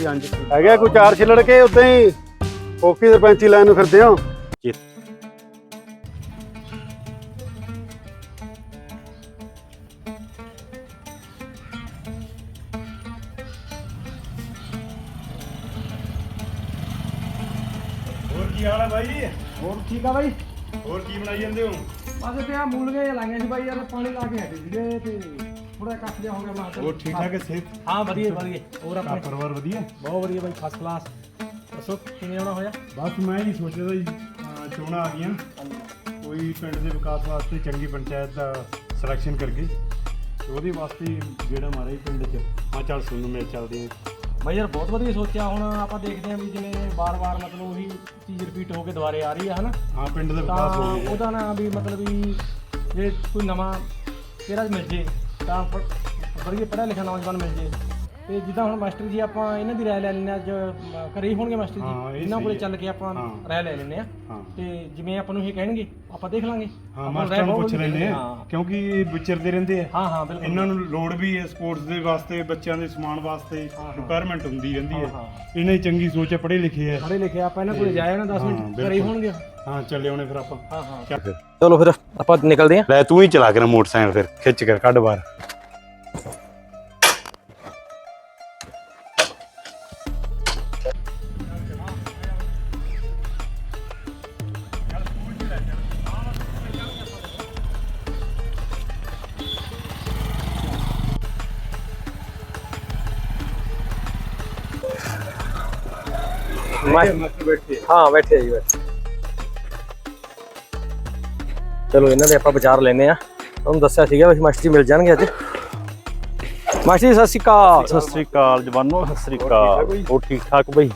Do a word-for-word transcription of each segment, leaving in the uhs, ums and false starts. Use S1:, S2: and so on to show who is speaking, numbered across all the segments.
S1: ਜੀ ਹਾਂਜੀ
S2: ਹੈਗਾ ਕੋਈ ਚਾਰ ਛਿਲੜ ਕੇ ਉਦਾਂ ਹੀ ਓਕੀ ਸਰਪੰਚੀ ਲਾਈਨ ਨੂੰ ਫਿਰਦੇ ਹੋ
S1: ਜੀ।
S2: ਹੋਰ ਕੀ ਹਾਲ ਹੈ ਬਾਈ?
S3: ਹੋਰ ਠੀਕ ਆ ਬਾਈ।
S2: ਹੋਰ ਕੀ ਬਣਾਈ ਜਾਂਦੇ ਹੋ?
S3: ਬਸ ਤੇ ਆ ਮੂਲੀਆਂ ਲਾਈਆਂ ਸੀ ਬਾਈ, ਯਾਰ ਪਾਣੀ ਲਾ ਕੇ ਹਟੇ ਸੀਗੇ ਤੇ ਥੋੜਾ ਕੱਖ ਜਿਹਾ ਹੋ ਗਿਆ ਮਾਰ।
S2: ਹੋਰ ਠੀਕ ਠਾਕ ਹੈ ਸਿਹਤ?
S3: ਹਾਂ ਵਧੀਆ ਵਧੀਆ। ਹੋਰ ਆਪਣੇ
S2: ਪਰਿਵਾਰ ਵਧੀਆ?
S3: ਬਹੁਤ ਵਧੀਆ ਬਾਈ, ਫਸਟ ਕਲਾਸ। ਦੱਸੋ ਕਿਵੇਂ ਆਉਣਾ ਹੋਇਆ?
S2: ਬਸ ਮੈਂ ਹੀ ਸੋਚਦਾ ਸੀ ਚੋਣਾਂ ਆ ਗਈਆਂ, ਕੋਈ ਪਿੰਡ ਦੇ ਵਿਕਾਸ ਵਾਸਤੇ ਚੰਗੀ ਪੰਚਾਇਤ ਦਾ ਸਿਲੈਕਸ਼ਨ ਕਰਕੇ ਉਹਦੇ ਵਾਸਤੇ ਜਿਹੜਾ ਮਾਰੇ ਪਿੰਡ 'ਚ ਮੈਂ ਚੱਲ ਸੁਣਨ ਮਿਲ ਚੱਲਦੇ ਹਾਂ।
S3: ਬਾਈ ਯਾਰ ਬਹੁਤ ਵਧੀਆ ਸੋਚਿਆ। ਹੁਣ ਆਪਾਂ ਦੇਖਦੇ ਹਾਂ ਵੀ ਜਿਵੇਂ ਵਾਰ-ਵਾਰ ਮਤਲਬ ਉਹੀ ਚੀਜ਼ ਰਿਪੀਟ ਹੋ ਕੇ ਦੁਬਾਰੇ ਆ ਰਹੀ ਆ ਹਨਾ।
S2: ਹਾਂ ਪਿੰਡ ਦਾ
S3: ਤਾਂ
S2: ਵਿਕਾਸ ਹੋ ਗਿਆ
S3: ਉਹਦਾ ਨਾ ਵੀ ਮਤਲਬ ਵੀ ਜੇ ਕੋਈ ਨਵਾਂ ਚਿਹਰਾ ਮਿਲ ਜੇ ਤਾਂ ਵਧੀਆ ਪੜ੍ਹਿਆ ਲਿਖਿਆ ਨੌਜਵਾਨ ਮਿਲ ਜੇ। ਤੇ ਜਿੱਦਾਂ ਹੁਣ ਮਾਸਟਰ ਜੀ ਆਪਾਂ ਇਹਨਾਂ ਦੀ ਰਾਏ ਲੈ ਲੈਂਦੇ ਹਾਂ, ਅੱਜ ਘਰੇ ਹੀ ਹੋਣਗੇ ਮਾਸਟਰ ਜੀ, ਇਹਨਾਂ ਕੋਲੇ ਚੱਲ ਕੇ ਆਪਾਂ ਰਾਏ ਲੈ ਲੈਂਦੇ ਹਾਂ ਤੇ ਜਿਵੇਂ ਆਪਾਂ ਨੂੰ ਇਹ ਕਹਿਣਗੇ ਆਪਾਂ ਦੇਖ ਲਾਂਗੇ।
S2: ਹਾਂ ਮਾਸਟਰਾਂ ਨੂੰ ਪੁੱਛ ਲੈਂਦੇ ਆ ਕਿਉਂਕਿ ਇਹ ਵਿਚਰਦੇ ਰਹਿੰਦੇ ਆ।
S3: ਹਾਂ ਹਾਂ ਬਿਲਕੁਲ।
S2: ਇਹਨਾਂ ਨੂੰ ਲੋੜ ਵੀ ਹੈ ਸਪੋਰਟਸ ਦੇ ਵਾਸਤੇ, ਬੱਚਿਆਂ ਦੇ ਸਮਾਨ ਵਾਸਤੇ ਰਿਕੁਆਇਰਮੈਂਟ ਹੁੰਦੀ ਰਹਿੰਦੀ ਹੈ। ਇਹਨਾਂ ਦੀ ਚੰਗੀ ਸੋਚ ਹੈ, ਪੜ੍ਹੇ ਲਿਖੇ ਆ।
S3: ਪੜ੍ਹੇ ਲਿਖੇ ਆਪਾਂ ਇਹਨਾਂ ਕੋਲੇ ਜਾਏ ਨਾ ਦਸ ਮਿੰਟ ਘਰੇ ਹੀ ਹੋਣਗੇ।
S2: ਹਾਂ ਚੱਲੇ ਆਉਣੇ ਫਿਰ ਆਪਾਂ।
S3: ਹਾਂ ਹਾਂ ਚਲੋ ਫਿਰ ਆਪਾਂ ਨਿਕਲਦੇ ਹਾਂ।
S2: ਲੈ ਤੂੰ ਹੀ ਚਲਾ ਕੇ ਨਾ ਮੋਟਰਸਾਈਕਲ, ਫਿਰ ਖਿੱਚ ਕੇ ਕੱਢ ਬਾਹਰ।
S3: ਹਾਂ ਬੈਠੇ ਜੀ ਬੈਠੇ। ਚਲੋ ਇਹਨਾਂ ਦੇ ਆਪਾਂ ਵਿਚਾਰ ਲੈਨੇ ਆ। ਤੁਹਾਨੂੰ ਦੱਸਿਆ ਸੀਗਾ ਵੀ ਮਾਸਟਰ ਜੀ ਮਿਲ ਜਾਣਗੇ ਅੱਜ। ਮਾਸਟਰ ਜੀ ਸਤਿ ਸ਼੍ਰੀ ਅਕਾਲ।
S1: ਸਤਿ ਸ੍ਰੀ ਅਕਾਲ ਜਵਾਨੋ, ਸਤਿ ਸ੍ਰੀ ਅਕਾਲ। ਹੋਰ ਠੀਕ ਠਾਕ ਬਈ?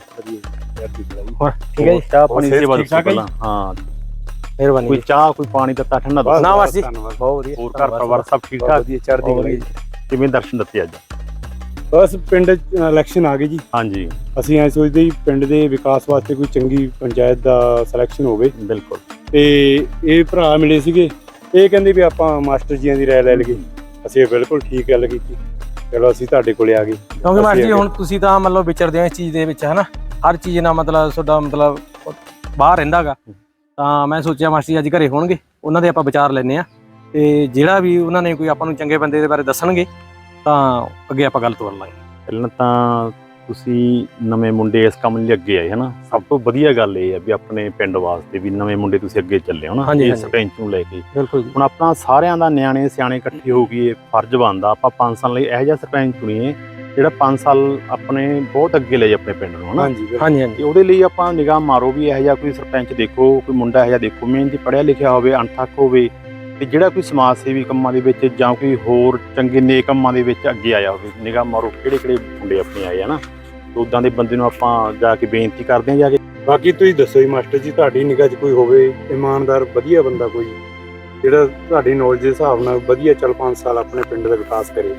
S3: ਹੋਰ ਠੀਕ ਹੈ ਜੀ।
S1: ਚਾਹ ਪਾਣੀ ਦੀ ਸੇਵਾ ਦੱਸੋ ਪਹਿਲਾਂ। ਹਾਂ
S3: ਮਿਹਰਬਾਨੀ।
S1: ਕੋਈ ਚਾਹ ਕੋਈ ਪਾਣੀ ਦਾ ਤਾਂ ਠੰਡਾ ਦੱਸੋ।
S3: ਨਾ ਮਾਸਟਰ ਜੀ ਬਹੁਤ ਵਧੀਆ।
S1: ਹੋਰ ਘਰ ਪਰਿਵਾਰ ਸਭ ਠੀਕ ਠਾਕ?
S3: ਵਧੀਆ ਚੜ੍ਹਦੀ ਕਲਾ ਜੀ।
S1: ਕਿਵੇਂ ਦਰਸ਼ਨ ਦਿੱਤੇ ਅੱਜ?
S2: ਬਸ ਪਿੰਡ ਇਲੈਕਸ਼ਨ ਆ ਗਈ ਜੀ।
S1: ਹਾਂਜੀ
S2: ਅਸੀਂ ਐ ਸੋਚਦੇ ਜੀ ਪਿੰਡ ਦੇ ਵਿਕਾਸ ਵਾਸਤੇ ਕੋਈ ਚੰਗੀ ਪੰਚਾਇਤ ਦਾ ਸਿਲੈਕਸ਼ਨ ਹੋਵੇ।
S1: ਬਿਲਕੁਲ।
S2: ਤੇ ਇਹ ਭਰਾ ਮਿਲੇ ਸੀਗੇ, ਇਹ ਕਹਿੰਦੇ ਵੀ ਆਪਾਂ ਮਾਸਟਰ ਜੀਆਂ ਦੀ ਰਾਏ ਲੈ ਲਈਏ। ਅਸੀਂ ਬਿਲਕੁਲ ਠੀਕ ਗੱਲ ਕੀਤੀ, ਚਲੋ ਅਸੀਂ ਤੁਹਾਡੇ ਕੋਲੇ ਆ ਗਏ।
S3: ਕਿਉਂਕਿ ਮਾਸਟਰ ਜੀ ਹੁਣ ਤੁਸੀਂ ਤਾਂ ਮਤਲਬ ਵਿਚਰਦੇ ਹੋ ਇਸ ਚੀਜ਼ ਦੇ ਵਿੱਚ ਹਨਾ, ਹਰ ਚੀਜ਼ ਨਾਲ ਮਤਲਬ ਤੁਹਾਡਾ ਮਤਲਬ ਬਾਹਰ ਰਹਿੰਦਾ ਗਾ। ਤਾਂ ਮੈਂ ਸੋਚਿਆ ਮਾਸਟਰ ਜੀ ਅੱਜ ਘਰੇ ਹੋਣਗੇ, ਉਹਨਾਂ ਦੇ ਆਪਾਂ ਵਿਚਾਰ ਲੈਂਦੇ ਆ ਤੇ ਜਿਹੜਾ ਵੀ ਉਹਨਾਂ ਨੇ ਕੋਈ ਆਪਾਂ ਨੂੰ ਚੰਗੇ ਬੰਦੇ ਦੇ ਬਾਰੇ ਦੱਸਣਗੇ ਤਾਂ ਅੱਗੇ ਆਪਾਂ ਗੱਲ ਤੋਰ ਲਾਂਗੇ।
S1: ਪਹਿਲਾਂ ਤਾਂ ਤੁਸੀਂ ਨਵੇਂ ਮੁੰਡੇ ਇਸ ਕੰਮ ਲਈ ਅੱਗੇ ਆਏ ਹਨਾ, ਸਭ ਤੋਂ ਵਧੀਆ ਗੱਲ ਇਹ ਹੈ ਵੀ ਆਪਣੇ ਪਿੰਡ ਵਾਸਤੇ ਵੀ ਨਵੇਂ ਮੁੰਡੇ ਤੁਸੀਂ ਅੱਗੇ ਚੱਲੇ ਹੋ ਨਾ ਇਹ ਸਰਪੰਚ ਨੂੰ ਲੈ ਕੇ।
S3: ਬਿਲਕੁਲ ਜੀ।
S1: ਹੁਣ ਆਪਣਾ ਸਾਰਿਆਂ ਦਾ ਨਿਆਣੇ ਸਿਆਣੇ ਇਕੱਠੇ ਹੋ ਗਏ, ਫਰਜ਼ ਬਣਦਾ ਆਪਾਂ ਪੰਜ ਸਾਲ ਲਈ ਇਹੋ ਜਿਹਾ ਸਰਪੰਚ ਚੁਣੀਏ ਜਿਹੜਾ ਪੰਜ ਸਾਲ ਆਪਣੇ ਬਹੁਤ ਅੱਗੇ ਲੈ ਜਾਏ ਆਪਣੇ ਪਿੰਡ ਨੂੰ ਹਨਾ।
S3: ਹਾਂਜੀ ਹਾਂਜੀ ਹਾਂਜੀ।
S1: ਉਹਦੇ ਲਈ ਆਪਾਂ ਨਿਗਾਹ ਮਾਰੋ ਵੀ ਇਹੋ ਜਿਹਾ ਕੋਈ ਸਰਪੰਚ ਦੇਖੋ, ਕੋਈ ਮੁੰਡਾ ਇਹੋ ਜਿਹਾ ਦੇਖੋ ਮਿਹਨਤੀ ਪੜ੍ਹਿਆ ਲਿਖਿਆ ਹੋਵੇ, ਅਣਥੱਕ ਹੋਵੇ ਤੇ ਜਿਹੜਾ ਕੋਈ ਸਮਾਜ ਸੇਵੀ ਕੰਮਾਂ ਦੇ ਵਿੱਚ ਜਾਂ ਕੋਈ ਹੋਰ ਚੰਗੇ ਨੇਕ ਕੰਮਾਂ ਦੇ ਵਿੱਚ ਅੱਗੇ ਆਇਆ ਹੋਵੇ। ਨਿਗਾਹ ਮਾਰੋ ਕਿਹੜੇ ਕਿਹੜੇ ਮੁੰਡੇ ਆਪਣੇ ਆਏ ਹਨਾ, ਉਦਾਂ ਦੇ ਬੰਦੇ ਨੂੰ ਆਪਾਂ ਜਾ ਕੇ ਬੇਨਤੀ ਕਰਦੇ ਹਾਂ ਜਾ ਕੇ।
S2: ਬਾਕੀ ਤੁਸੀਂ ਦੱਸੋ ਜੀ ਮਾਸਟਰ ਜੀ, ਤੁਹਾਡੀ ਨਿਗਾਹ 'ਚ ਕੋਈ ਹੋਵੇ ਇਮਾਨਦਾਰ ਵਧੀਆ ਬੰਦਾ ਕੋਈ ਜਿਹੜਾ ਤੁਹਾਡੀ ਨੌਲੇਜ ਦੇ ਹਿਸਾਬ ਨਾਲ ਵਧੀਆ ਚੱਲ ਪੰਜ ਸਾਲ ਆਪਣੇ ਪਿੰਡ ਦਾ ਵਿਕਾਸ ਕਰੇ।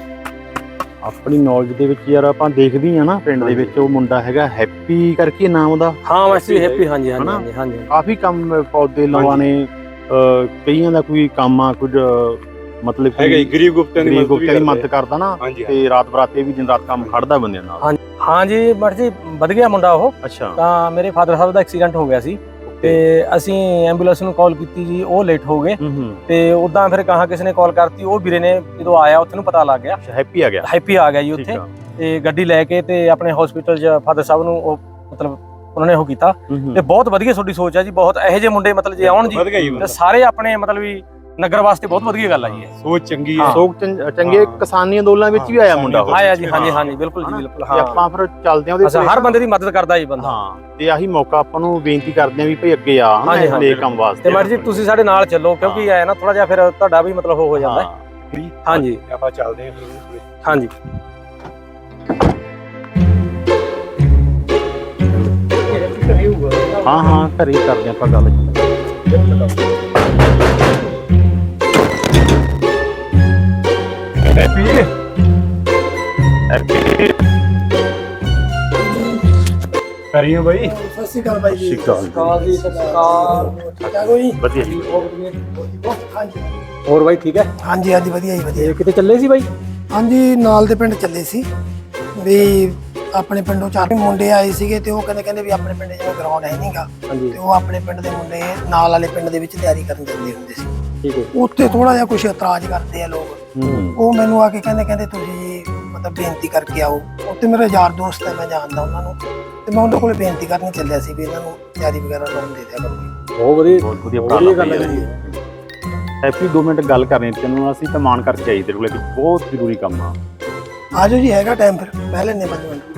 S1: ਆਪਣੀ ਨੌਲੇਜ ਦੇ ਵਿੱਚ ਯਾਰ ਆਪਾਂ ਦੇਖਦੇ ਹਾਂ ਨਾ ਪਿੰਡ ਦੇ ਵਿੱਚ ਉਹ ਮੁੰਡਾ ਹੈਗਾ ਹੈਪੀ ਕਰਕੇ ਨਾਮ ਉਹਦਾ।
S3: ਹਾਂ ਮਾਸਟਰ ਜੀ ਹੈਪੀ। ਹਾਂਜੀ ਹਾਂਜੀ ਹਾਂਜੀ।
S1: ਕਾਫੀ ਕੰਮ ਪੌਦੇ ਲਵਾਣੇ, ਕਈਆਂ ਦਾ ਕੋਈ ਕੰਮ ਆ ਕੁਝ ਮਤਲਬ
S2: ਹੈਗਾ ਗਰੀਬ ਗੁਪਤਿਆਂ ਦੀ
S1: ਮਦਦ ਕਰਦਾ ਨਾ ਤੇ ਰਾਤ ਬਰਾਤੇ ਵੀ ਦਿਨ ਰਾਤ ਕੰਮ ਖੜਦਾ ਬੰਦਿਆਂ ਨਾਲ।
S3: ਹਾਂਜੀ ਮਾਸਟਰ ਜੀ ਵਧ ਗਿਆ ਮੁੰਡਾ ਉਹ।
S1: ਅੱਛਾ।
S3: ਤਾਂ ਮੇਰੇ ਫਾਦਰ ਸਾਹਿਬ ਦਾ ਐਕਸੀਡੈਂਟ ਹੋ ਗਿਆ ਸੀ ਤੇ ਅਸੀਂ ਐਂਬੂਲੈਂਸ ਨੂੰ ਕਾਲ ਕੀਤੀ ਜੀ, ਉਹ ਲੇਟ ਹੋ ਗਏ ਤੇ ਉਦਾਂ ਫਿਰ ਕਹਾਂ ਕਿਸੇ ਨੇ ਕਾਲ ਕਰਤੀ, ਉਹ ਵੀਰੇ ਨੇ ਜਦੋਂ ਆਇਆ ਉੱਥੇ ਨੂੰ ਪਤਾ ਲੱਗ ਗਿਆ
S1: ਹੈਪੀ ਆ ਗਿਆ।
S3: ਹੈਪੀ ਆ ਗਿਆ ਜੀ ਉੱਥੇ ਤੇ ਗੱਡੀ ਲੈ ਕੇ ਤੇ ਆਪਣੇ ਹਸਪੀਟਲ 'ਚ ਫਾਦਰ ਸਾਹਿਬ ਨੂੰ ਉਹ ਮਤਲਬ ਉਹਨਾਂ ਨੇ ਉਹ ਕੀਤਾ। ਤੇ ਬਹੁਤ ਵਧੀਆ ਤੁਹਾਡੀ ਸੋਚ ਹੈ ਜੀ, ਬਹੁਤ ਇਹੋ ਜਿਹੇ ਮੁੰਡੇ ਮਤਲਬ ਜੇ ਆਉਣ ਜੀ ਤੇ ਸਾਰੇ ਆਪਣੇ ਮਤਲਬ ਵੀ ਨਗਰ ਵਾਸਤੇ ਬਹੁਤ ਵਧੀਆ ਗੱਲ ਆ ਜੀ।
S2: ਸੋਚ ਚੰਗੀ ਹੈ,
S1: ਸੋਚ ਚੰਗੇ। ਕਿਸਾਨੀ ਅੰਦੋਲਨ ਵਿੱਚ ਵੀ ਆਇਆ ਮੁੰਡਾ ਉਹ।
S3: ਆਇਆ ਜੀ। ਹਾਂਜੀ ਹਾਂਜੀ ਬਿਲਕੁਲ ਜੀ ਬਿਲਕੁਲ। ਹਾਂ
S1: ਆਪਾਂ ਫਿਰ ਚੱਲਦੇ ਆਂ ਉਹਦੇ
S3: ਕੋਲ, ਹਰ ਬੰਦੇ ਦੀ ਮਦਦ ਕਰਦਾ ਜੀ ਬੰਦਾ।
S1: ਹਾਂ ਤੇ ਆਹੀ ਮੌਕਾ ਆਪਾਂ ਨੂੰ ਬੇਨਤੀ ਕਰਦੇ ਆਂ ਵੀ ਭਈ ਅੱਗੇ ਆ ਹਨਾ ਇਹ ਕੰਮ ਵਾਸਤੇ।
S3: ਤੇ ਮਾਸਟਰ ਜੀ ਤੁਸੀਂ ਸਾਡੇ ਨਾਲ ਚੱਲੋ ਕਿਉਂਕਿ ਐ ਨਾ ਥੋੜਾ ਜਿਹਾ ਫਿਰ ਤੁਹਾਡਾ ਵੀ ਮਤਲਬ ਹੋ ਜਾਂਦਾ। ਹਾਂਜੀ
S2: ਆਪਾਂ ਚੱਲਦੇ ਆਂ ਫਿਰ।
S3: ਹਾਂਜੀ
S1: ਹਾਂ ਹਾਂ ਘਰੇ ਕਰਦੇ ਆਪਾਂ ਗੱਲ। ਹੈਪੀ ਹੈਪੀ
S2: ਕਰੀਓ ਬਾਈ।
S4: ਸਤਿ ਸ਼੍ਰੀ ਅਕਾਲ ਬਾਈ ਜੀ।
S1: ਸਤਿ ਸ਼੍ਰੀ ਅਕਾਲ
S3: ਜੀ। ਸਤਿ ਸ਼੍ਰੀ ਅਕਾਲ।
S4: ਠੀਕ ਆ ਕੋਈ?
S1: ਵਧੀਆ ਜੀ।
S4: ਹਾਂਜੀ
S3: ਹੋਰ ਬਾਈ ਠੀਕ ਹੈ?
S4: ਹਾਂਜੀ ਹਾਂਜੀ ਵਧੀਆ ਜੀ ਵਧੀਆ।
S3: ਕਿਤੇ ਚੱਲੇ ਸੀ ਬਾਈ?
S4: ਹਾਂਜੀ ਨਾਲ ਦੇ ਪਿੰਡ ਚੱਲੇ ਸੀ ਵੀ ਆਪਣੇ ਪਿੰਡੋਂ ਚਾਰ ਮੁੰਡੇ ਆਏ ਸੀਗੇ ਤੇ ਉਹ ਕਹਿੰਦੇ ਕਹਿੰਦੇ ਵੀ ਆਪਣੇ ਪਿੰਡ ਜਿਵੇਂ ਗਰਾਊਂਡ ਹੈ ਨਹੀਂਗਾ ਤੇ ਉਹ ਆਪਣੇ ਪਿੰਡ ਦੇ ਮੁੰਡੇ ਨਾਲ ਵਾਲੇ ਪਿੰਡ ਦੇ ਵਿੱਚ ਤਿਆਰੀ ਕਰਨ ਜਾਂਦੇ ਹੁੰਦੇ ਸੀ।
S3: ਠੀਕ ਹੈ।
S4: ਉੱਥੇ ਥੋੜਾ ਜਿਹਾ ਕੁਝ ਇਤਰਾਜ਼ ਕਰਦੇ ਆ ਲੋਕ। ਉਹ ਮੈਨੂੰ ਆ ਕੇ ਕਹਿੰਦੇ ਕਹਿੰਦੇ ਤੁਸੀਂ ਮਤਲਬ ਬੇਨਤੀ ਕਰਕੇ ਆਓ। ਉੱਥੇ ਮੇਰਾ ਯਾਰ ਦੋਸਤ ਹੈ, ਮੈਂ ਜਾਣਦਾ ਉਹਨਾਂ ਨੂੰ, ਤੇ ਮੈਂ ਉਹਨਾਂ ਕੋਲ ਬੇਨਤੀ ਕਰਨ ਚੱਲਿਆ ਸੀ ਵੀ ਇਹਨਾਂ ਨੂੰ ਤਿਆਰੀ ਵਗੈਰਾ ਲਾਉਣ ਦੇ ਦਿਆ ਕਰੋ।
S3: ਬਹੁਤ ਵਧੀਆ
S1: ਬਹੁਤ ਵਧੀਆ ਪ੍ਰਾਪਤ ਗੱਲ ਹੈ। ਹੈਪੀ ਦੋ ਮਿੰਟ ਗੱਲ ਕਰਨੀ ਤੈਨੂੰ ਅਸੀਂ ਤਾਂ ਮਾਨ ਕਰਕੇ ਆਈ ਤੇਰੇ ਕੋਲ ਕਿ ਬਹੁਤ ਜ਼ਰੂਰੀ ਕੰਮ ਆ।
S4: ਆਜੋ ਜੀ, ਹੈਗਾ ਟਾਈਮ ਫਿਰ ਪਹਿ ਲੈਣੇ ਪੰਜ ਮਿੰਟ।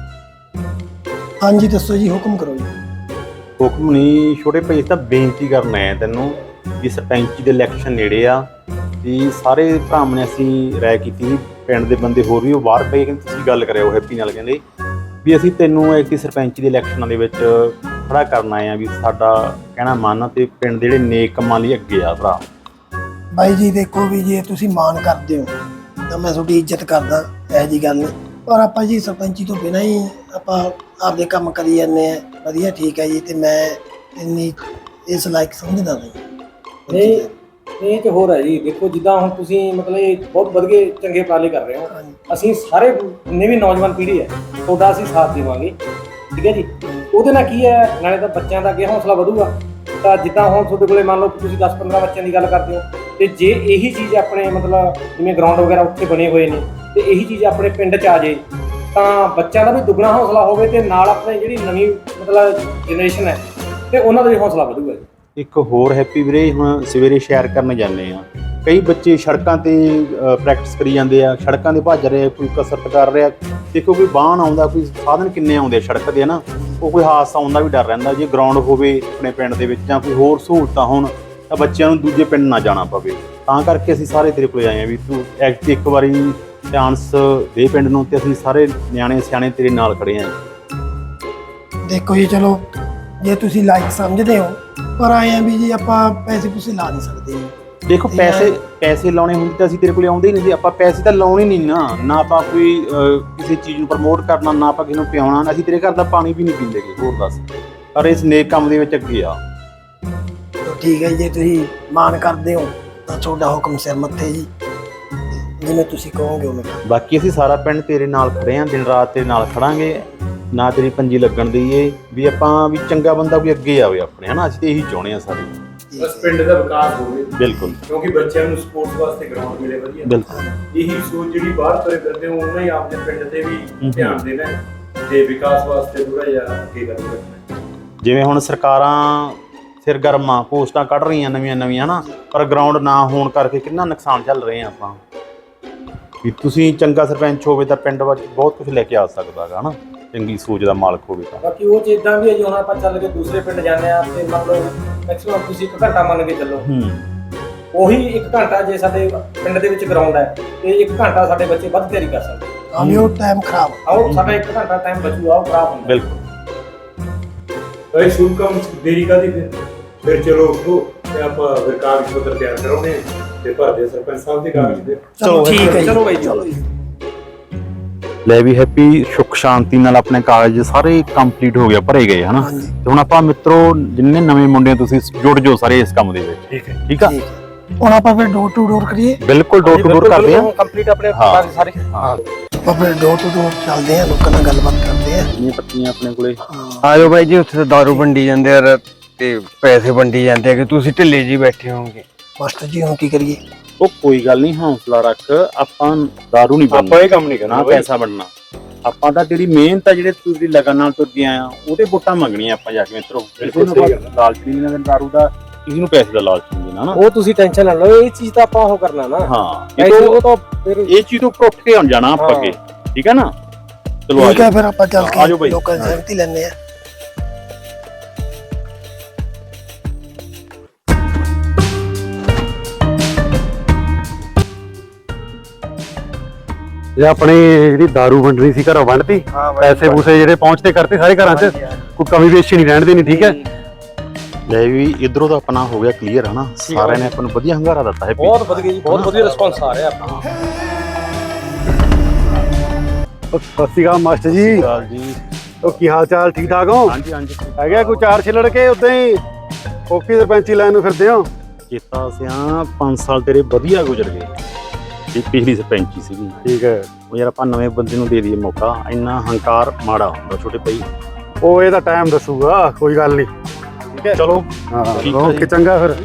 S4: ਹਾਂਜੀ ਦੱਸੋ ਜੀ, ਹੁਕਮ ਕਰੋ ਜੀ।
S1: ਹੁਕਮ ਨਹੀਂ ਛੋਟੇ ਭਾਈ, ਤਾਂ ਬੇਨਤੀ ਕਰਨਾ ਹੈ ਤੈਨੂੰ ਕਿ ਸਰਪੰਚੀ ਦੇ ਇਲੈਕਸ਼ਨ ਨੇੜੇ ਆ ਤੇ ਸਾਰੇ ਭਰਾਵਾਂ ਨੇ ਅਸੀਂ ਰਾਏ ਕੀਤੀ, ਪਿੰਡ ਦੇ ਬੰਦੇ ਹੋਰ ਵੀ ਉਹ ਬਾਹਰ ਪਏ, ਕਹਿੰਦੇ ਤੁਸੀਂ ਗੱਲ ਕਰਿਓ ਹੈਪੀ ਨਾਲ, ਕਹਿੰਦੇ ਵੀ ਅਸੀਂ ਤੈਨੂੰ ਐਤਕੀ ਸਰਪੰਚੀ ਦੇ ਇਲੈਕਸ਼ਨਾਂ ਦੇ ਵਿੱਚ ਖੜਾ ਕਰਨ ਆਏ ਆ ਵੀ ਸਾਡਾ ਕਹਿਣਾ ਮੰਨ ਤੇ ਪਿੰਡ ਦੇ ਜਿਹੜੇ ਨੇਕ ਕੰਮਾਂ ਲਈ ਅੱਗੇ ਆ ਭਰਾ।
S4: ਬਾਈ ਜੀ ਦੇਖੋ ਵੀ ਜੇ ਤੁਸੀਂ ਮਾਣ ਕਰਦੇ ਹੋ ਤਾਂ ਮੈਂ ਤੁਹਾਡੀ ਇੱਜ਼ਤ ਕਰਦਾ, ਇਹੋ ਜਿਹੀ ਗੱਲ ਨਹੀਂ, ਪਰ ਆਪਾਂ ਜੀ ਸਰਪੰਚੀ ਤੋਂ ਬਿਨਾਂ ਹੀ ਆਪਾਂ ਆਪਦੇ ਕੰਮ ਕਰੀ ਜਾਂਦੇ ਆ। ਵਧੀਆ ਠੀਕ ਹੈ ਜੀ, ਤੇ ਮੈਂ ਇੰਨੀ ਇਸ ਲਾਇਕ ਸਮਝਦਾ ਨਹੀਂ।
S3: ਨਹੀਂ ਇਹ ਤੇ ਹੋਰ ਹੈ ਜੀ, ਦੇਖੋ ਜਿੱਦਾਂ ਹੁਣ ਤੁਸੀਂ ਮਤਲਬ ਇਹ ਬਹੁਤ ਵਧੀਆ ਚੰਗੇ ਉਪਰਾਲੇ ਕਰ ਰਹੇ ਹੋ, ਅਸੀਂ ਸਾਰੇ ਜਿੰਨੇ ਵੀ ਨੌਜਵਾਨ ਪੀੜ੍ਹੀ ਹੈ ਤੁਹਾਡਾ ਅਸੀਂ ਸਾਥ ਦੇਵਾਂਗੇ, ਠੀਕ ਹੈ ਜੀ। ਉਹਦੇ ਨਾਲ ਕੀ ਹੈ, ਨਾਲੇ ਤਾਂ ਬੱਚਿਆਂ ਦਾ ਅੱਗੇ ਹੌਸਲਾ ਵਧੂਗਾ। ਤਾਂ ਜਿੱਦਾਂ ਹੁਣ ਤੁਹਾਡੇ ਕੋਲੇ ਮੰਨ ਲਓ ਤੁਸੀਂ ਦਸ ਪੰਦਰਾਂ ਬੱਚਿਆਂ ਦੀ ਗੱਲ ਕਰਦੇ ਹੋ, ਤੇ ਜੇ ਇਹੀ ਚੀਜ਼ ਆਪਣੇ ਮਤਲਬ ਜਿਵੇਂ ਗਰਾਊਂਡ ਵਗੈਰਾ ਉੱਥੇ ਬਣੇ ਹੋਏ ਨੇ ਤੇ ਇਹੀ ਚੀਜ਼ ਆਪਣੇ ਪਿੰਡ 'ਚ ਆ ਜੇ ਤਾਂ ਬੱਚਿਆਂ ਦਾ ਵੀ ਦੁੱਗਣਾ ਹੌਸਲਾ ਹੋਵੇ ਤੇ ਨਾਲ ਆਪਣੇ ਜਿਹੜੀ ਨਵੀਂ ਮਤਲਬ ਜਨਰੇਸ਼ਨ ਹੈ ਤੇ ਉਹਨਾਂ ਦਾ ਵੀ ਹੌਸਲਾ ਵਧੂਗਾ ਜੀ। ਇੱਕ
S1: ਹੋਰ ਹੈਪੀ ਵੀਰੇ, ਹੁਣ ਸਵੇਰੇ ਸੈਰ ਕਰਨ ਜਾਂਦੇ ਆ, ਕਈ ਬੱਚੇ ਸੜਕਾਂ ਤੇ ਪ੍ਰੈਕਟਿਸ ਕਰੀ ਜਾਂਦੇ ਆ, ਸੜਕਾਂ ਤੇ ਭੱਜ ਰਹੇ, ਕੋਈ ਕਸਰਤ ਕਰ ਰਿਹਾ, ਦੇਖੋ ਕੋਈ ਵਾਹਨ ਆਉਂਦਾ, ਕੋਈ ਸਾਧਨ ਕਿੰਨੇ ਆਉਂਦੇ ਆ ਸੜਕ ਤੇ ਨਾ, ਉਹ ਕੋਈ ਹਾਦਸਾ ਆਉਣ ਦਾ ਵੀ ਡਰ ਰਹਿੰਦਾ। ਜੇ ਗਰਾਊਂਡ ਹੋਵੇ ਆਪਣੇ ਪਿੰਡ ਦੇ ਵਿੱਚ ਜਾਂ ਕੋਈ ਹੋਰ ਸਹੂਲਤਾਂ ਹੋਣ ਤਾਂ ਬੱਚਿਆਂ ਨੂੰ ਦੂਜੇ ਪਿੰਡ ਨਾ ਜਾਣਾ ਪਵੇ। ਤਾਂ ਕਰਕੇ ਅਸੀਂ ਸਾਰੇ ਤੇਰੇ ਕੋਲ ਆਏ ਆ ਵੀ ਤੂੰ ਐਕਟ ਇੱਕ ਵਾਰੀ ਚਾਂਸ ਦੇ ਪਿੰਡ ਨੂੰ, ਤੇ ਅਸੀਂ ਸਾਰੇ ਨਿਆਣੇ ਸਿਆਣੇ ਤੇਰੇ ਨਾਲ ਖੜੇ ਆ।
S4: ਦੇਖੋ ਜੀ ਚਲੋ ਜੇ ਤੁਸੀਂ ਲਾਇਕ ਸਮਝਦੇ ਹੋ, ਪਰ ਆਏ ਆ ਵੀ ਜੀ ਆਪਾਂ ਪੈਸੇ ਪੂਸੇ ਲਾ ਨਹੀਂ ਸਕਦੇ ਜੀ।
S1: ਦੇਖੋ ਪੈਸੇ ਪੈਸੇ ਲਾਉਣੇ ਹੁੰਦੇ ਤਾਂ ਅਸੀਂ ਤੇਰੇ ਕੋਲ ਆਉਂਦੇ ਹੀ ਨਹੀਂ ਸੀ, ਆਪਾਂ ਪੈਸੇ ਤਾਂ ਲਾਉਣੇ ਨਹੀਂ ਨਾ, ਨਾ ਆਪਾਂ ਕੋਈ ਕਿਸੇ ਚੀਜ਼ ਨੂੰ ਪ੍ਰਮੋਟ ਕਰਨਾ, ਨਾ ਆਪਾਂ ਕਿਸੇ ਨੂੰ ਪਿਆਉਣਾ, ਅਸੀਂ ਤੇਰੇ ਘਰ ਦਾ ਪਾਣੀ ਵੀ ਨਹੀਂ ਪੀਂਦੇਗੇ, ਹੋਰ ਦੱਸ। ਪਰ ਇਸ ਨੇਕ ਕੰਮ ਦੇ ਵਿੱਚ ਅੱਗੇ ਆ।
S4: ਠੀਕ ਹੈ ਜੀ, ਜੇ ਤੁਸੀਂ ਮਾਣ ਕਰਦੇ ਹੋ ਤਾਂ ਤੁਹਾਡਾ ਹੁਕਮ ਸਿਰ ਮੱਥੇ ਜੀ, ਜਿਵੇਂ ਤੁਸੀਂ ਕਹੋਗੇ ਉਵੇਂ।
S1: ਬਾਕੀ ਅਸੀਂ ਸਾਰਾ ਪਿੰਡ ਤੇਰੇ ਨਾਲ ਖੜੇ ਆਂ, ਦਿਨ ਰਾਤ ਤੇਰੇ ਨਾਲ ਖੜਾਂਗੇ, ਨਾ ਤੇਰੀ ਪੰਜੀ ਲੱਗਣ ਦਈਏ ਵੀ ਆਪਾਂ ਵੀ ਚੰਗਾ ਬੰਦਾ ਕੋਈ ਅੱਗੇ ਆਵੇ ਆਪਣੇ, ਹਨਾ। ਅਸੀਂ ਤੇ ਇਹੀ ਚਾਹੁੰਦੇ ਆ ਸਾਰੇ,
S2: ਬਸ ਪਿੰਡ ਦਾ ਵਿਕਾਸ ਹੋਵੇ।
S1: ਬਿਲਕੁਲ,
S2: ਕਿਉਂਕਿ ਬੱਚਿਆਂ ਨੂੰ ਸਪੋਰਟਸ ਵਾਸਤੇ ਗਰਾਊਂਡ ਮਿਲੇ ਵਧੀਆ।
S1: ਬਿਲਕੁਲ
S2: ਇਹੀ ਸੋਚ ਜਿਹੜੀ ਬਾਹਰ ਤੁਰੇ ਫਿਰਦੇ ਹੋ, ਉਹਨਾਂ ਹੀ ਆਪਣੇ ਪਿੰਡ ਤੇ ਵੀ ਧਿਆਨ ਦੇਣਾ ਤੇ ਵਿਕਾਸ ਵਾਸਤੇ ਥੋੜਾ ਜਿਹਾ ਅੱਗੇ ਕਰਨਾ।
S1: ਜਿਵੇਂ ਹੁਣ ਸਰਕਾਰਾਂ ਸਿਰਗਰਮਾਂ ਪੋਸਟਾਂ ਕੱਢ ਰਹੀਆਂ ਨਵੀਆਂ ਨਵੀਆਂ, ਹਨਾ, ਪਰ ਗਰਾਊਂਡ ਨਾ ਹੋਣ ਕਰਕੇ ਕਿੰਨਾ ਨੁਕਸਾਨ ਝੱਲ ਰਹੇ ਆ ਆਪਾਂ। ਵੀ ਤੁਸੀਂ ਚੰਗਾ ਸਰਪੰਚ ਹੋਵੇ ਤਾਂ ਪਿੰਡ ਵਿੱਚ ਬਹੁਤ ਕੁਝ ਲੈ ਕੇ ਆ ਸਕਦਾ ਹੈਗਾ, ਹਨਾ, ਚੰਗੀ ਸੋਚ ਦਾ ਮਾਲਕ ਹੋਵੇ ਤਾਂ।
S3: ਬਾਕੀ ਉਹ ਚੀਜ਼ਾਂ ਵੀ ਹੈ ਜੀ, ਹੁਣ ਆਪਾਂ ਚੱਲ ਕੇ ਦੂਸਰੇ ਪਿੰਡ ਜਾਂਦੇ ਆ ਤੇ ਮੰਨ ਲਓ ਮੈਕਸਿਮਮ ਤੁਸੀਂ ਇੱਕ ਘੰਟਾ ਮੰਨ ਕੇ ਚੱਲੋ,
S1: ਹੂੰ,
S3: ਉਹੀ ਇੱਕ ਘੰਟਾ ਜੇ ਸਾਡੇ ਪਿੰਡ ਦੇ ਵਿੱਚ ਗਰਾਊਂਡ ਹੈ ਤੇ ਇੱਕ ਘੰਟਾ ਸਾਡੇ ਬੱਚੇ ਵੱਧ ਤਿਆਰੀ ਕਰ ਸਕਦੇ।
S4: ਹਾਂ ਵੀ ਉਹ ਟਾਈਮ ਖਰਾਬ
S3: ਆਓ ਸਾਡਾ ਇੱਕ ਘੰਟਾ ਟਾਈਮ ਬਚੂਗਾ, ਉਹ ਖਰਾਬ ਹੁੰਦਾ।
S1: ਬਿਲਕੁਲ।
S2: ਭਾਈ ਸ਼ੁਭ ਕੰਮ ਦੇਰੀ ਕਾਦੀ ਫਿਰ ਫਿਰ ਚਲੋ ਉੱਠੋ ਤੇ ਆਪਾਂ ਫਿਰ ਕਾਗਜ਼ ਪੱਤਰ ਤਿਆਰ ਕਰਾਉਣੇ ਤੇ ਭਰਦੇ ਸਰਪੰਚ ਸਾਹਿਬ ਦੇ ਕਾਗਜ਼ ਦੇ।
S4: ਚਲੋ ਠੀਕ ਹੈ,
S3: ਚਲੋ ਬਾਈ ਜੀ।
S1: ਲੈ ਵੀ ਹੈਪੀ, ਸੁੱਖ ਸ਼ਾਂਤੀ ਨਾਲ ਆਪਣੇ ਕਾਗਜ਼ ਸਾਰੇ ਕੰਪਲੀਟ ਹੋ ਗਿਆ, ਭਰੇ ਗਏ, ਹਨਾ। ਤੇ ਹੁਣ ਆਪਾਂ ਮਿੱਤਰੋ ਜਿੰਨੇ ਨਵੇਂ ਮੁੰਡੇ ਤੁਸੀਂ ਜੁੜ ਜਾਓ ਸਾਰੇ ਇਸ ਕੰਮ ਦੇ ਵਿੱਚ,
S2: ਠੀਕ ਹੈ,
S1: ਠੀਕ ਆ।
S4: ਹੁਣ ਆਪਾਂ ਫਿਰ ਡੋਰ ਟੂ ਡੋਰ ਕਰੀਏ।
S1: ਬਿਲਕੁਲ ਡੋਰ ਟੂ ਡੋਰ ਕਰਦੇ ਆ
S3: ਕੰਪਲੀਟ ਆਪਣੇ
S1: ਹਾਂ।
S3: ਸਾਰੇ।
S1: ਹਾਂ,
S4: ਆਪਾਂ ਫਿਰ ਡੋਰ ਟੂ ਡੋਰ ਚੱਲਦੇ ਆ, ਲੋਕਾਂ ਨਾਲ ਗੱਲਬਾਤ ਕਰਦੇ ਆ।
S1: ਇਹ ਪੱਤੀਆਂ ਆਪਣੇ ਕੋਲੇ।
S5: ਆਜੋ ਬਾਈ ਜੀ, ਉੱਥੇ ਤਾਂ ਦਾਰੂ ਵੰਡੀ ਜਾਂਦੇ ਆ ਤੇ ਪੈਸੇ ਵੰਡੀ ਜਾਂਦੇ ਆ ਕਿ ਤੁਸੀਂ ਢਿੱਲੇ ਜੀ ਬੈਠੇ ਹੋਵੋਗੇ।
S4: ਮਾਸਟਰ ਜੀ ਹੁਣ ਕੀ ਕਰੀਏ?
S1: ਉਹ ਕੋਈ ਗੱਲ ਨਹੀਂ, ਹੌਸਲਾ ਰੱਖ, ਆਪਾਂ ਦਾਰੂ ਨਹੀਂ ਬਣਨਾ,
S2: ਆਪਾਂ ਇਹ ਕੰਮ ਨਹੀਂ ਕਰਨਾ,
S1: ਨਾ ਪੈਸਾ ਬਣਨਾ। ਆਪਾਂ ਤਾਂ ਤੇਰੀ ਮਿਹਨਤ ਆ ਜਿਹੜੇ ਤੁਸੀਂ ਲਗਨ ਨਾਲ ਤੁਰ ਗਿਆ ਆ, ਉਹਦੇ ਵੋਟਾਂ ਮੰਗਣੀਆਂ ਆਪਾਂ ਜਾ ਕੇ ਮਿੱਤਰੋ।
S2: ਬਿਲਕੁਲ ਸਹੀ ਗੱਲ।
S1: ਲਾਲਚ ਨਹੀਂ ਲੈਣਾ ਦਾਰੂ ਦਾ, ਕਿਸੇ ਨੂੰ ਪੈਸੇ ਦਾ ਲਾਲਚ ਨਹੀਂ ਦੇਣਾ ਨਾ।
S3: ਉਹ ਤੁਸੀਂ ਟੈਨਸ਼ਨ ਨਾ ਲਓ, ਇਹ ਚੀਜ਼ ਤਾਂ ਆਪਾਂ ਉਹ ਕਰਨਾ ਨਾ।
S1: ਹਾਂ,
S3: ਇਹ
S1: ਇਹ
S3: ਉਹ ਤਾਂ ਫਿਰ
S1: ਇਹ ਚੀਜ਼ ਤੋਂ ਉੱਠ ਕੇ ਆਉਣ ਜਾਣਾ ਆਪਾਂ ਅੱਗੇ, ਠੀਕ ਹੈ ਨਾ। ਚਲੋ
S4: ਠੀਕ ਹੈ, ਫਿਰ ਆਪਾਂ ਚੱਲ
S1: ਆਜੋ
S4: ਕੇ
S1: ਬਾਈ।
S4: ਲੋਕਾਂ ਦੀ ਸਹਿਮਤੀ ਲੈਣੇ ਆ।
S6: ਇਹ ਆਪਣੀ ਜਿਹੜੀ ਦਾਰੂ ਵੰਡਣੀ ਸੀ ਘਰੋਂ ਵੰਡਤੀ, ਪੈਸੇ ਪੂਸੇ ਜਿਹੜੇ ਪਹੁੰਚਦੇ ਕਰਤੇ ਸਾਰੇ ਘਰਾਂ 'ਚ, ਕੋਈ ਕਮੀ ਪੇਸ਼ੀ ਨਹੀਂ ਰਹਿਣ ਦੇਣੀ, ਠੀਕ ਹੈ।
S1: ਲੈ ਵੀ ਇਧਰੋਂ ਤਾਂ ਆਪਣਾ ਹੋ ਗਿਆ ਕਲੀਅਰ, ਹਨਾ। ਸਾਰਿਆਂ ਨੇ ਆਪਾਂ ਨੂੰ ਵਧੀਆ ਹੰਗਾਰਾ ਦਿੱਤਾ ਹੈ।
S3: ਬਹੁਤ ਵਧੀਆ ਜੀ, ਬਹੁਤ ਵਧੀਆ ਰਿਸਪੌਂਸ ਆ ਰਿਹਾ ਆਪਾਂ।
S6: ਸਤਿ ਸ਼੍ਰੀ ਅਕਾਲ ਮਾਸਟਰ ਜੀ।
S1: ਜੀ,
S6: ਉਹ ਕੀ ਹਾਲ ਚਾਲ, ਠੀਕ ਠਾਕ ਹੋ?
S1: ਹਾਂਜੀ ਹਾਂਜੀ,
S6: ਹੈਗਾ ਕੋਈ ਚਾਰ ਛਿੱਲੜ ਕੇ ਉਦਾਂ ਹੀ ਓਕੀ ਸਰਪੰਚੀ ਲਾਈਨ ਨੂੰ ਫਿਰਦੇ ਹੋ?
S1: ਕੀਤਾ ਸਿਆ ਪੰਜ ਸਾਲ ਤੇਰੇ ਵਧੀਆ ਗੁਜ਼ਰ ਗਏ, ਇਹ ਪਿਛਲੀ ਸਰਪੰਚੀ ਸੀਗੀ।
S6: ਠੀਕ ਹੈ।
S1: ਉਹ ਯਾਰ ਆਪਾਂ ਨਵੇਂ ਬੰਦੇ ਨੂੰ ਦੇ ਦਈਏ ਮੌਕਾ, ਇੰਨਾ ਹੰਕਾਰ ਮਾੜਾ ਹੁੰਦਾ ਛੋਟੇ ਭਾਈ।
S6: ਉਹ ਇਹਦਾ ਟਾਈਮ ਦੱਸੂਗਾ, ਕੋਈ ਗੱਲ ਨਹੀਂ।
S1: ਠੀਕ ਹੈ ਚਲੋ
S6: ਹਾਂ
S1: ਠੀਕ ਹੈ
S6: ਓਕੇ,
S1: ਜੀ।
S6: ਚੰਗਾ ਫਿਰ।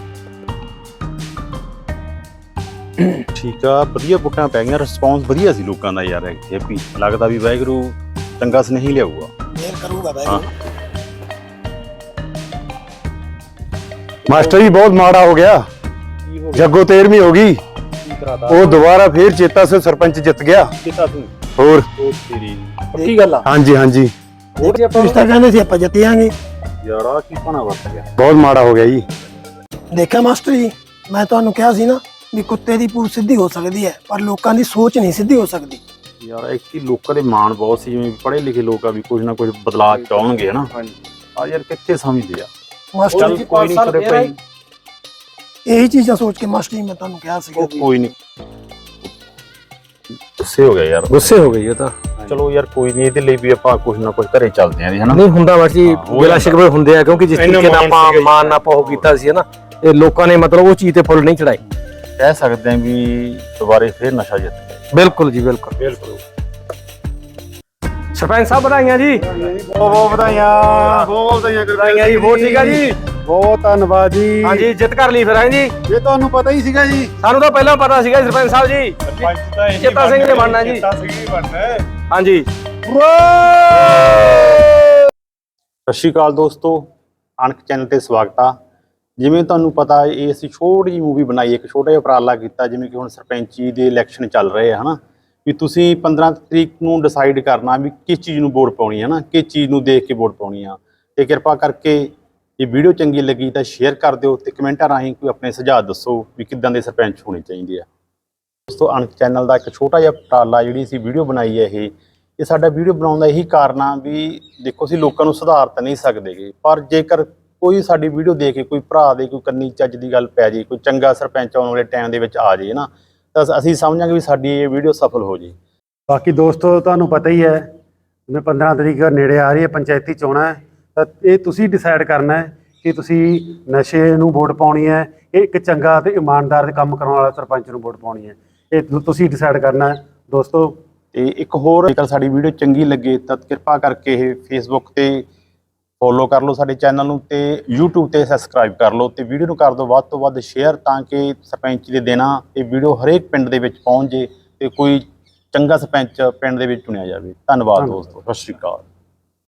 S1: ਠੀਕ ਆ, ਵਧੀਆ ਵੋਟਾਂ ਪੈ ਗਈਆਂ, ਰਿਸਪੌਂਸ ਵਧੀਆ ਸੀ ਲੋਕਾਂ ਦਾ ਯਾਰ। ਇੱਥੇ ਵੀ ਲੱਗਦਾ ਵੀ ਵਾਹਿਗੁਰੂ ਚੰਗਾ ਸੁਨੇਹੀ ਲਿਆਊਗਾ।
S4: ਮਿਹਰ ਕਰੂਗਾ ਬਾਈ।
S1: ਹਾਂ
S6: ਮਾਸਟਰ ਜੀ ਬਹੁਤ ਮਾੜਾ ਹੋ ਗਿਆ, ਜੱਗੋ ਤੇਰਵੀਂ ਹੋ ਗਈ, ਉਹ ਦੁਬਾਰਾ ਫੇਰ ਚੇਤਾ ਸੇ ਸਰਪੰਚ ਜਿੱਤ ਗਿਆ।
S1: ਕਿਤਾ ਤੂੰ
S6: ਹੋਰ
S1: ਤੇਰੀ ਪੱਕੀ ਗੱਲ ਆ
S6: ਹਾਂਜੀ ਹਾਂਜੀ,
S4: ਤੁਸੀਂ ਤਾਂ ਕਹਿੰਦੇ ਸੀ ਆਪਾਂ ਜਿੱਤਿਆਂਗੇ।
S1: ਯਾਰ ਆ ਕੀ ਪਾਣਾ ਵਰਤ ਗਿਆ।
S6: ਬਹੁਤ ਮਾੜਾ ਹੋ ਗਿਆ ਜੀ।
S4: ਦੇਖਿਆ ਮਾਸਟਰ ਜੀ, ਮੈਂ ਤੁਹਾਨੂੰ ਕਿਹਾ ਸੀ ਨਾ ਵੀ ਕੁੱਤੇ ਦੀ ਪੂਛ ਸਿੱਧੀ ਹੋ ਸਕਦੀ ਹੈ, ਪਰ ਲੋਕਾਂ ਦੀ ਸੋਚ ਨਹੀਂ ਸਿੱਧੀ ਹੋ ਸਕਦੀ।
S1: ਯਾਰ ਇੱਕ ਹੀ ਲੋਕਾਂ ਦੇ ਮਾਣ ਬਹੁਤ ਸੀ, ਜਿਵੇਂ ਪੜ੍ਹੇ ਲਿਖੇ ਲੋਕ ਆ ਵੀ ਕੁਝ ਨਾ ਕੁਝ ਬਦਲਾਅ ਚਾਹਣਗੇ ਹਨਾ। ਆ ਯਾਰ ਕਿੱਥੇ ਸਮਝਦੇ ਆ।
S4: ਮਾਸਟਰ
S1: ਚੱਲ
S4: ਜੀ
S1: ਕੋਈ ਨਹੀਂ ਛੋਟੇ ਭਾਈ,
S4: ਇਹੀ ਚੀਜ਼ਾਂ ਸੋਚ ਕੇ ਮਾਸਟਰ ਜੀ ਮੈਂ ਤੁਹਾਨੂੰ ਕਿਹਾ ਸੀਗਾ
S1: ਉਹ
S4: ਵੀ
S1: ਕੋਈ ਨਹੀਂ। ਗੁੱਸੇ ਹੋ ਗਿਆ ਯਾਰ,
S3: ਗੁੱਸੇ ਹੋ ਗਈ ਉਹ ਤਾਂ।
S1: ਚਲੋ ਯਾਰ ਕੋਈ ਨਹੀਂ, ਇਹਦੇ ਲਈ ਵੀ ਆਪਾਂ ਕੁਝ ਨਾ ਕੁਝ ਘਰੇ ਚੱਲਦੇ ਆਂ ਜੀ ਹਨਾ।
S3: ਨਹੀਂ ਹੁੰਦਾ ਬਸ ਜੀ,
S1: ਹਾਂ, ਹੋ
S3: ਬਿਲਾ
S1: ਜਾਂਦਾ।
S3: ਸ਼ਿਕਵੇ ਹੁੰਦੇ ਆ, ਕਿਉਂਕਿ ਜਿਸ
S1: ਇੰਨਾ
S3: ਤਰੀਕੇ ਨਾਲ
S1: ਮਾਣ
S3: ਆਪਾਂ
S1: ਸੀਗਾ ਜੀ।
S3: ਮਾਨ ਆਪਾਂ ਉਹ ਕੀਤਾ ਸੀ ਨਾ, ਇਹ ਲੋਕਾਂ ਨੇ ਮਤਲਬ ਉਹ ਚੀਜ਼ ਤੇ ਫੁੱਲ ਨਹੀਂ ਚੜਾਏ।
S1: ਕਹਿ ਸਕਦੇ ਆਂ ਵੀ ਦੁਬਾਰੇ ਫੇਰ ਨਸ਼ਾ ਜਿੱਤ ਗਿਆ।
S3: ਬਿਲਕੁਲ ਜੀ ਬਿਲਕੁਲ
S1: ਬਿਲਕੁਲ।
S3: ਸਰਪੰਚ ਸਾਹਿਬ ਵਧਾਈਆਂ ਜੀ।
S6: ਬਹੁਤ ਬਹੁਤ ਵਧਾਈਆਂ, ਬਹੁਤ ਵਧਾਈਆਂ
S3: ਵਧਾਈਆਂ ਜੀ, ਬਹੁਤ ਠੀਕ ਆ ਜੀ।
S6: ਬਹੁਤ ਧੰਨਵਾਦ ਜੀ।
S3: ਹਾਂਜੀ ਜਿੱਤ ਕਰ ਲਈ ਫਿਰ ਹੈ ਜੀ।
S6: ਇਹ ਤੁਹਾਨੂੰ ਪਤਾ ਹੀ ਸੀਗਾ ਜੀ।
S3: ਸਾਨੂੰ ਤਾਂ ਪਹਿਲਾਂ ਪਤਾ ਸੀਗਾ ਜੀ ਸਰਪੰਚ ਸਾਹਿਬ ਜੀ, ਚੇਤਾ ਸਿੰਘ ਨੇ ਬਣਨਾ ਜੀ। ਹਾਂਜੀ
S1: ਸਤਿ ਸ਼੍ਰੀ ਅਕਾਲ ਦੋਸਤੋ, ਅਣਖ ਚੈਨਲ ਤੇ ਸਵਾਗਤ ਆ। ਜਿਵੇਂ ਤੁਹਾਨੂੰ ਪਤਾ ਇਹ ਅਸੀਂ ਛੋਟੀ ਜਿਹੀ ਮੂਵੀ ਬਣਾਈ, ਇੱਕ ਛੋਟਾ ਜਿਹਾ ਉਪਰਾਲਾ ਕੀਤਾ। ਜਿਵੇਂ ਕਿ ਹੁਣ ਸਰਪੰਚੀ ਦੇ ਇਲੈਕਸ਼ਨ ਚੱਲ ਰਹੇ ਆ ਹਨਾ, ਵੀ ਤੁਸੀਂ ਪੰਦਰਾਂ ਤਰੀਕ ਨੂੰ ਡਿਸਾਈਡ ਕਰਨਾ ਵੀ ਕਿਸ ਚੀਜ਼ ਨੂੰ ਵੋਟ ਪਾਉਣੀ ਹੈ ਨਾ, ਕਿਸ ਚੀਜ਼ ਨੂੰ ਦੇਖ ਕੇ ਵੋਟ ਪਾਉਣੀ ਆ। ਤੇ ਕਿਰਪਾ ਕਰਕੇ ਜੇ ਵੀਡੀਓ ਚੰਗੀ ਲੱਗੀ ਤਾਂ ਸ਼ੇਅਰ ਕਰ ਦਿਓ ਤੇ ਕਮੈਂਟਾਂ ਰਾਹੀਂ ਕੋਈ ਆਪਣੇ ਸੁਝਾਅ ਦੱਸੋ ਵੀ ਕਿੱਦਾਂ ਦੇ ਸਰਪੰਚ ਹੋਣੇ ਚਾਹੀਦੇ ਆ। ਦੋਸਤੋ ਅਣਖ ਚੈਨਲ ਦਾ ਇੱਕ ਛੋਟਾ ਜਿਹਾ ਉਪਰਾਲਾ ਜਿਹੜੀ ਅਸੀਂ ਵੀਡੀਓ ਬਣਾਈ ਹੈ, ਇਹ ਇਹ ਸਾਡਾ ਵੀਡੀਓ ਬਣਾਉਣ ਦਾ ਇਹੀ ਕਾਰਨ ਆ ਵੀ ਦੇਖੋ ਅਸੀਂ ਲੋਕਾਂ ਨੂੰ ਸੁਧਾਰ ਤਾਂ ਨਹੀਂ ਸਕਦੇਗੇ, ਪਰ ਜੇਕਰ ਕੋਈ ਸਾਡੀ ਵੀਡੀਓ ਦੇਖ ਕੇ ਕੋਈ ਭਰਾ ਦੇ ਕੋਈ ਕੰਨੀ ਚੱਜ ਦੀ ਗੱਲ ਪੈ ਜੇ, ਕੋਈ ਚੰਗਾ ਸਰਪੰਚ ਆਉਣ ਵਾਲੇ ਟਾਈਮ ਦੇ ਵਿੱਚ ਆ ਜੇ ਨਾ, ਤਾਂ ਅਸੀਂ ਸਮਝਾਂਗੇ ਵੀ ਸਾਡੀ ਇਹ ਵੀਡੀਓ ਸਫਲ ਹੋ ਜੇ।
S6: ਬਾਕੀ ਦੋਸਤੋ ਤੁਹਾਨੂੰ ਪਤਾ ਹੀ ਹੈ, ਜਿਵੇਂ ਪੰਦਰਾਂ ਤਰੀਕ ਨੇੜੇ ਆ ਰਹੀ ਹੈ, ਪੰਚਾਇਤੀ ਚੋਣਾਂ ਹੈ, ਤਾਂ ਇਹ ਤੁਸੀਂ ਡਿਸਾਈਡ ਕਰਨਾ ਹੈ ਕਿ ਤੁਸੀਂ ਨਸ਼ੇ ਨੂੰ ਵੋਟ ਪਾਉਣੀ ਹੈ, ਇਹ ਇੱਕ ਚੰਗਾ ਤੇ ਇਮਾਨਦਾਰ ਦੇ ਕੰਮ ਕਰਨ ਵਾਲਾ ਸਰਪੰਚ ਨੂੰ ਵੋਟ ਪਾਉਣੀ ਹੈ। ਇਹ ਤੁਸੀਂ ਡਿਸਾਈਡ ਕਰਨਾ ਹੈ ਦੋਸਤੋ।
S1: ਤੇ ਇੱਕ ਹੋਰ, ਜੇਕਰ ਸਾਡੀ ਵੀਡੀਓ ਚੰਗੀ ਲੱਗੇ ਤਾਂ ਕਿਰਪਾ ਕਰਕੇ ਇਹ ਫੇਸਬੁੱਕ ਤੇ ਫੋਲੋ ਕਰ ਲਓ ਸਾਡੇ ਚੈਨਲ ਨੂੰ, ਤੇ ਯੂਟਿਊਬ ਤੇ ਸਬਸਕ੍ਰਾਈਬ ਕਰ ਲਓ, ਤੇ ਵੀਡੀਓ ਨੂੰ ਕਰ ਦਿਓ ਵੱਧ ਤੋਂ ਵੱਧ ਸ਼ੇਅਰ, ਤਾਂ ਕਿ ਸਰਪੰਚੀ ਦੇ ਦਿਨਾਂ ਇਹ ਵੀਡੀਓ ਹਰੇਕ ਪਿੰਡ ਦੇ ਵਿੱਚ ਪਹੁੰਚ ਜੇ ਤੇ ਕੋਈ ਚੰਗਾ ਸਰਪੰਚ ਪਿੰਡ ਦੇ ਵਿੱਚ ਚੁਣਿਆ ਜਾਵੇ। ਧੰਨਵਾਦ ਦੋਸਤੋ, ਸਤਿ ਸ਼੍ਰੀ ਅਕਾਲ।